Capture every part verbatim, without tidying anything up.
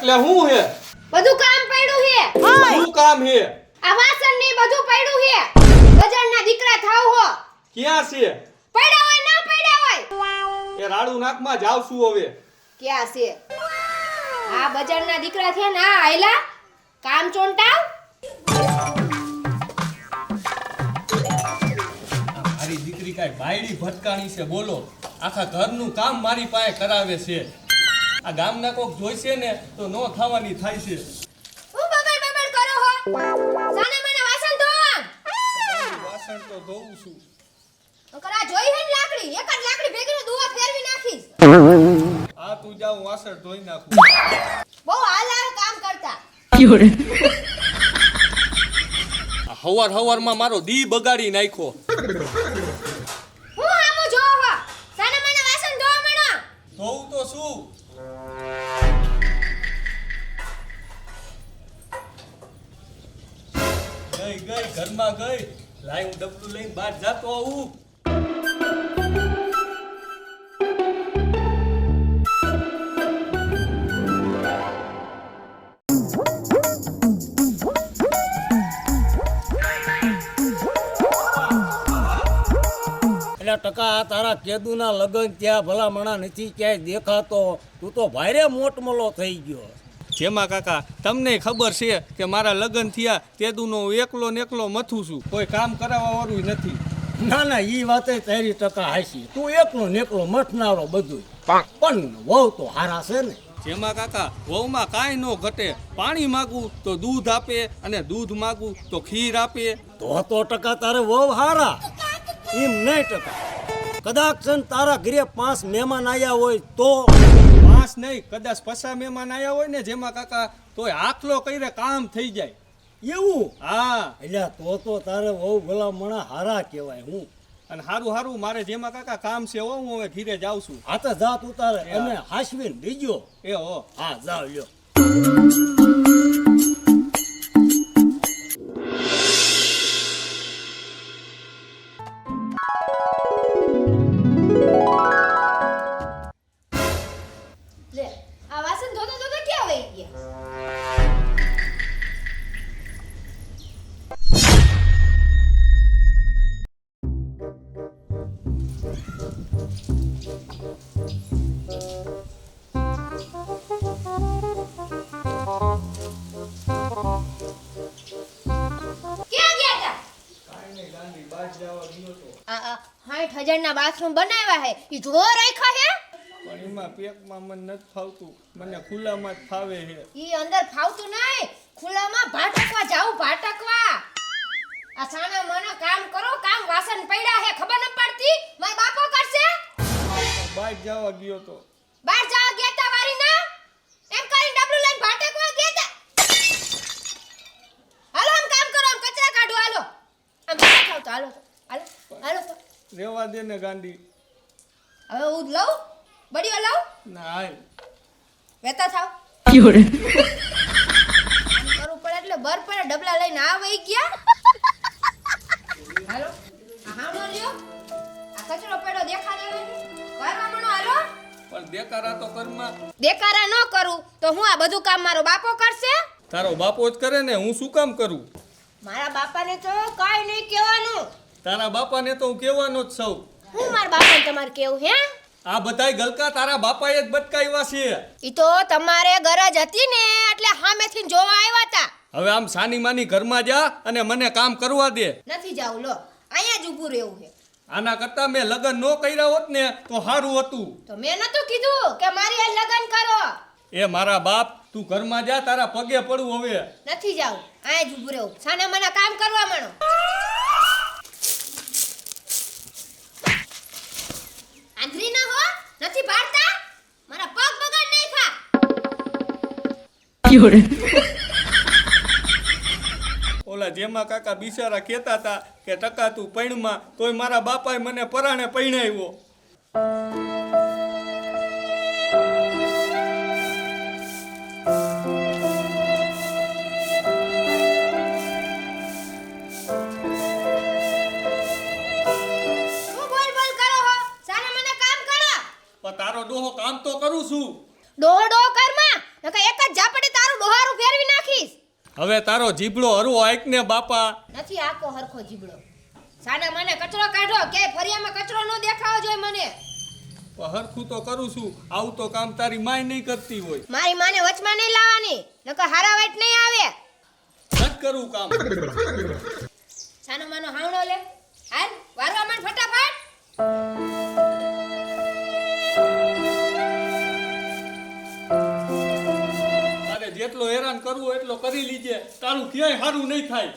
એટલે હું હે બધું કામ પડ્યું હે શું કામ હે આ વાસણ ને બધું પડ્યું હે બજારના દીકરા થાવ હો ક્યાં છે પડ્યા હોય ના પડ્યા હોય એ રાડુ નાકમાં જાવ છું હવે ક્યાં છે આ બજારના દીકરા થયા ના આયલા કામ ચોંટાવ મારી દીકરી કાઈ બાયડી ભટકાણી છે બોલો આખા ઘરનું કામ મારી પાસે કરાવે છે આ ગામના કોક જોઈશે ને તો નો થવાની થાય છે હું બબડ બબડ કરો હો સાને મને વાસણ ધો વાસણ તો ધોઉં છું કરા જોઈ હે ને લાકડી એક જ લાકડી ભેગીનો દુવા ફેરવી નાખીશ આ તું જાવ વાસણ ધોઈ નાખું બહુ હાલાર કામ કરતા હવાર હવારમાં મારો દી બગાડી નાખ્યો હું આમો જો હો સાને મને વાસણ ધો મણો ધોઉં તો શું ગઈ ગઈ ઘરમાં ગઈ લાઈ હું ડબલું લઈને બહાર જાતો આવું એટલે ટકા તારા કેદુના લગન ત્યાં ભલામણા નથી ક્યાંય દેખાતો તું તો ભારે મોટમલો થઈ ગયો જેમાં કાકા તમને ખબર છે કે મારા લગ્ન થયા તેદુનો એકલો ને એકલો મથું છું કોઈ કામ કરાવવા વાળું નથી ના ના ઈ વાતે તારી ટકા હાસી તું એકલો ને એકલો મઠનારો બધું પણ વહુ તો હારા છે ને જેમાં કાકા વહુમાં કાંઈ ન ઘટે પાણી માગું તો દૂધ આપે અને દૂધ માગું તો ખીર આપે તો તો ટકા તારે વહુ હારા એમ નહીં ટકા કદાચ છે ને તારા ઘરે પાંચ મહેમાન આવ્યા હોય તો પાંચ નહીં કદાચ પસા મહેમાન આવ્યા હોય ને જેમાં કાકા તોય આખલો કરીને કામ થઈ જાય એવું હા એટલે તો તો તારે વહુ ભલામણા હારા કહેવાય હું અને હારું હારું મારે જેમાં કાકા કામ છે હો હું હવે ઘીરે જાઉં છું આ તો જાત ઉતારે અને હાસવીને બીજો એ હો હા જાવ લ્યો લે આ વાસણ ધોતો ધોતો ક્યાં વઈ ગયા ક્યાં ગયા તા આ સાઠ હજાર ના બાથરૂમ બનાવ્યા હે ઈ જો રાખ્યા હે પણ એમાં પેકમાં મને નથી ફાવતું મને ખુલ્લામાં જ ફાવે છે ઈ અંદર ફાવતું નહીં ખુલ્લામાં ભાટકવા જાવું ભાટકવા આ સાના મને કામ કરો કામ વાસણ પડ્યા હે ખબર ન પડતી મારા બાપો કરશે બહાર જવા ગયો તો બહાર જવા ગયા તા વારી ના એમ કરીને ડબલું લઈને ભાટકવા ગયા તા હાલો આમ કામ કરો આમ કચરા કાઢો હાલો આમ બહાર ખાવ તો હાલો તો હાલો હાલો તો રેવા દે ને ગાંડી હવે હું લઉં બડીઓ લઉં ના હાલ વેતા થાવ કરવું પડે એટલે બર પડે ડબલા લઈને આ વઈ ગયા હાલો આ હામો લ્યો આ કચરો પડ્યો દેખાડે નથી કરવા મણો હાલો પણ દેકારા તો કરમાં દેકારા ન કરું તો હું આ બધું કામ મારો બાપો કરશે તારો બાપો જ કરે ને હું શું કામ કરું મારા બાપાને તો કાઈ નહીં કહેવાનું તારા બાપાને તો હું કહેવાનો જ સૌ હું મારા બાપાને તમારે કેવું હે આ બધાય ગલકા તારા બાપાએ જ બટકાવ્યા છે ઈ તો તમારે ગરજ હતી ને એટલે સામેથી જોવા આવ્યા તા હવે આમ સાની માની ઘરમાં જા અને મને કામ કરવા દે નથી જાવું લો અહીંયા જ ઊભું રહેવું છે આના કરતા મેં લગ્ન ન કર્યા હોત ને તો સારું હતું તો મેં નતું કીધું કે મારી આ લગન કરો એ મારા બાપ તું ઘરમાં જા તારા પગે પડું હવે નથી જાવું અહીંયા જ ઊભું રહેવું સાને મને કામ કરવા માંડો આંધળી ના હો નથી ભાળતા મારા પગ બગાડ નહીં ખા ઓલા જેમાં કાકા બિચારા કહેતા હતા કે ટકા તું પૈણમાં તોય મારા બાપાએ મને પરાણે પૈણાવ્યો ડોહો ડોહો કરમાં નકર એક જ ઝાપટ હવે તારો જીભડો હરવો આઈક ને બાપા. નથી આકો હરખો જીબડો. સાના મને કચરો કાઢો કે ફરિયામાં કચરો ન દેખાવો જોઈએ મને. પણ હરખું તો કરું છું. આવું તો કામ તારી માય નહીં કરતી હોય. મારી માને વચમાં નહીં લાવવાની નકર હારા વાઈટ નહીં આવે. નથી કરું કામ. સાનો માનો હાવણો લે હાલ વારવા માંડ ફટાફટ. તારે જેટલો હેરાન કરવું એટલો કરી લીજે. તારું ક્યાંય સારું નહીં થાય.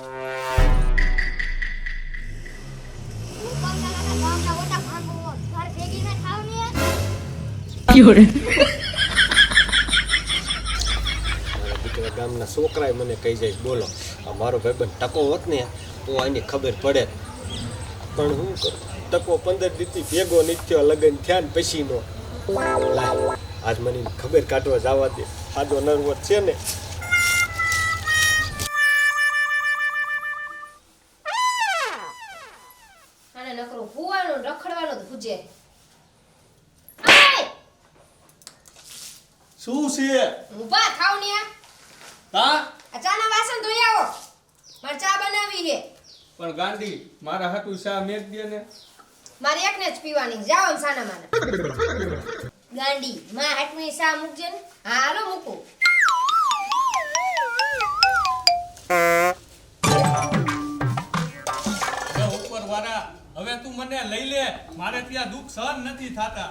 દીકરા ગામના છોકરાએ મને કહી જાય બોલો આ મારો ભાઈબંધ ટકો હોત ને તો આની ખબર પડે. પણ શું કરું ટકો પંદર દીથી ભેગો નહીં થયો લગ્ન થયા ને પછીનો. લાય આજ મને ખબર કાઢવા જવા દે. સાદો નર્વસ છે ને. આને નકરું હુવાનું રખડવાનું જ ભૂજે. શું છે? ઊભા થાવ ને. હા આ ચાના વાસણ ધોઈ આવો. મારે ચા બનાવી છે. પણ ગાંડી મારા હાટુ શા મેક દે ને. મારે એકને જ પીવાની. જાઓ ને સાના માના. ગાંડી માં હાટમી સા મૂકજે ને. હા હાલો મૂકું. હવે ઉપર વાળા હવે તું મને લઈ લે. મારે ત્યાં દુઃખ સહન નથી થાતા.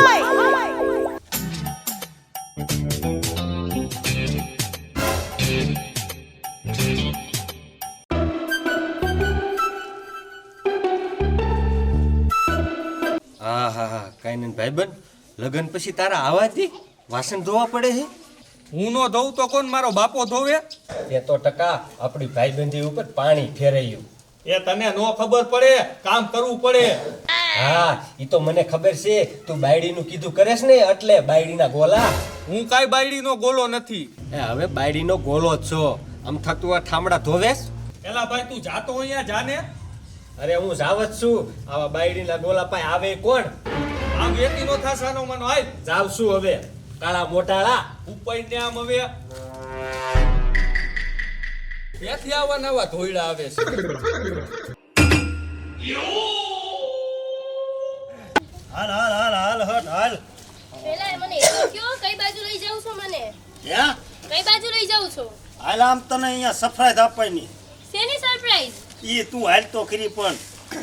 હા હા હા કાંઈ નહીં ભાઈબંધ લગ્ન પછી તારા આવાથી વાસણ ધોવા પડે છે. હું નો ધોઉં તો કોણ? મારો બાપો ધોવે. એ તો ટકા આપણી ભાઈબંધી ઉપર પાણી ફેરાયું. એ તને નો ખબર પડે. કામ કરવું પડે. હા એ તો મને ખબર છે. તું બાયડીનું કીધું કરેશ ને એટલે બાયડીના ગોલા. હું કાઈ બાયડીનો ગોલો નથી. એ હવે બાયડીનો ગોલો જ છો. આમ થતું આ ઠામડા ધોવેશ. એલા ભાઈ તું જાતો અહીંયા જાને. અરે હું જાવ જ છું. આવા બાયડીના ગોલા પાસે આવે કોણ? આમ વેતી નો થાસાનો મનો હાલ. જાવ છું હવે કાળા મોટાળા. ઉપર ને આમ હવે ત્યાંથી આવા નવા ધોઈડા આવે છે. હાલ હાલ હાલ હાલ હટ હાલ. પેલા એ મને એવું કયો કઈ બાજુ લઈ જાવ છો મને? ક્યાં કઈ બાજુ લઈ જાવ છો? હાલ આમ તને અહીંયા સરપ્રાઈઝ આપવાની. શેની સરપ્રાઈઝ? ઈ તું હાલ તો ખરી પણ.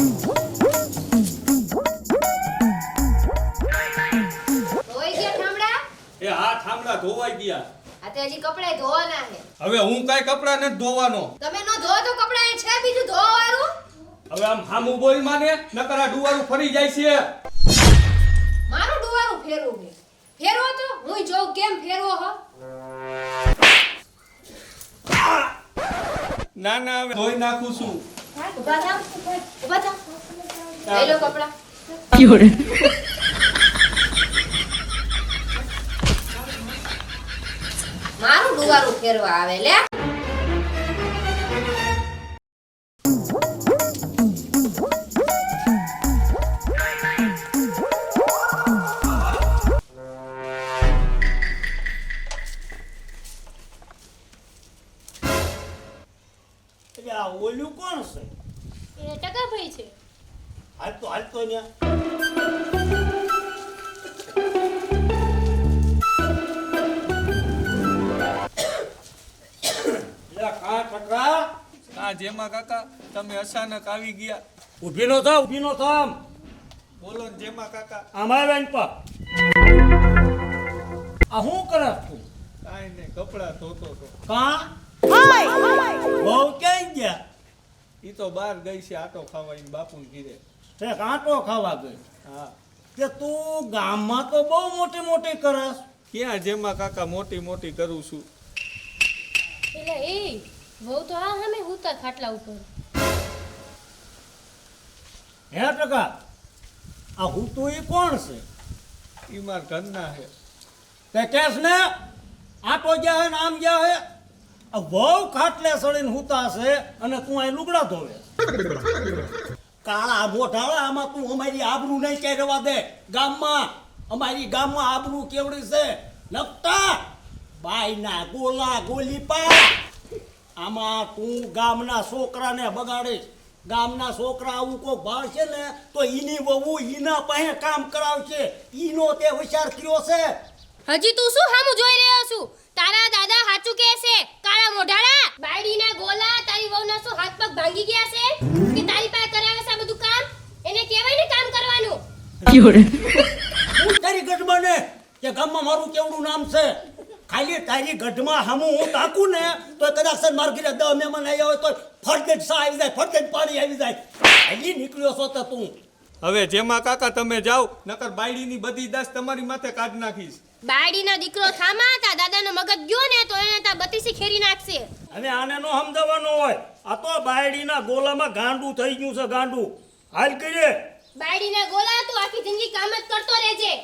ધોઈ ગયા ઠામડા? એ હા થાંભલા ધોવાઈ ગયા. આ તે હજી કપડાય ધોવાના છે. હવે હું કાઈ કપડા નથી ધોવાનો. તમે નો ધો તો કપડા એ છે બીજું ધોવા વાળું. હવે આમ હામું બોલ માને નકર આ ડુવારું ફરી જાય છે. મારું ડુવારું ફેરવું છે. ફેરવો તો હું જોઉં કેમ ફેરવો હો. ના ના હવે ધોઈ નાખું છું. ઉભા થાવ ઉભા થાવ. લઈ લો કપડા. મારું ડુવારું ફેરવા આવે લે. એટલે આ ઓલું કોણ છે? એ ટકાભાઈ છે. હાલ તો હાલ તો ન્યા. લે કા ટકા હા જેમાં કાકા તમે અચાનક આવી ગયા. ઊભી નો થા ઊભી નો થા. બોલો ને જેમાં કાકા. અમારે બેન પર આ હું કરસ તું? કાઈ નહીં કપડા ધોતો તો. કા બહુ ક્યાં ગયા? ઈ તો બહાર ગઈ છે આટો ખાવા ઈ બાપુને ઘીરે. તે કાંટો ખાવા ગઈ. હા કે તું ગામમાં તો બહુ મોટી મોટી કરસ. ક્યાં જેમાં કાકા મોટી મોટી કરું છું. એટલે એ બહુ તો આ સામે હુતા ખાટલા ઉપર. હે ટકા આ હું તો એ કોણ છે? ઈ માર ઘરના છે. તે કેસ ને આટો ગયા હે ને આમ ગયા હે. આ બહુ ખાટલે સળીને હુતા છે અને તું અહીં લુગડા ધોવે. કાળા મોઢાળા આમાં તું અમારી આબરૂ નહીં કહેવા દે ગામમાં. અમારી ગામમાં આબરૂ કેવડી છે નકટા બાયના ગોલા ગોલી પા. આમાં તું ગામના છોકરાને બગાડીશ. ગામના છોકરા આવું કોઈ ભાળ છે ને તો ઈની વહુ ઈના પાસે કામ કરાવશે. ઈનો તે વિચાર કર્યો છે. હજી તું શું હામું જોઈ રહ્યો છું? તારા દાદા હાચું કહે છે, કાળા મોઢાળા બાયડીના ગોલા. તારી વહુના શું હાથ પગ ભાંગી ગયા છે કે તારી પાસે કરાવે છે આ બધું કામ? એને કહેવાય ને કામ કરવાનું. હું તારી ગઢમાં ને કે ગામમાં મારું કેવડું નામ છે. ખાલી તારી ગઢમાં હમું હું તાકું ને તો કદાચ છે માર ઘરે દહ મહેમાન આવ્યા હોય તો ફરતે જ સા આવી જાય, ફરતે જ પાણી આવી જાય. હજી નીકળ્યો છો તો તું. હવે જેમાં કાકા તમે જાઓ, નકર બાયડીની બધી દાસ તમારી માથે કાઢ નાખીશ. બાયડીના દીકરો થામા તા દાદાનો મગજ ગયો ને તો એને તા બતીસી ખેરી નાખશે. હવે આને નો સમજાવવાનો હોય. આ તો બાયડીના ગોલામાં ગાંડું થઈ ગયું છે, ગાંડું. હાલ કરીએ. બાયડીના ગોલા તું આખી જિંદગી કામ જ કરતો રહેજે.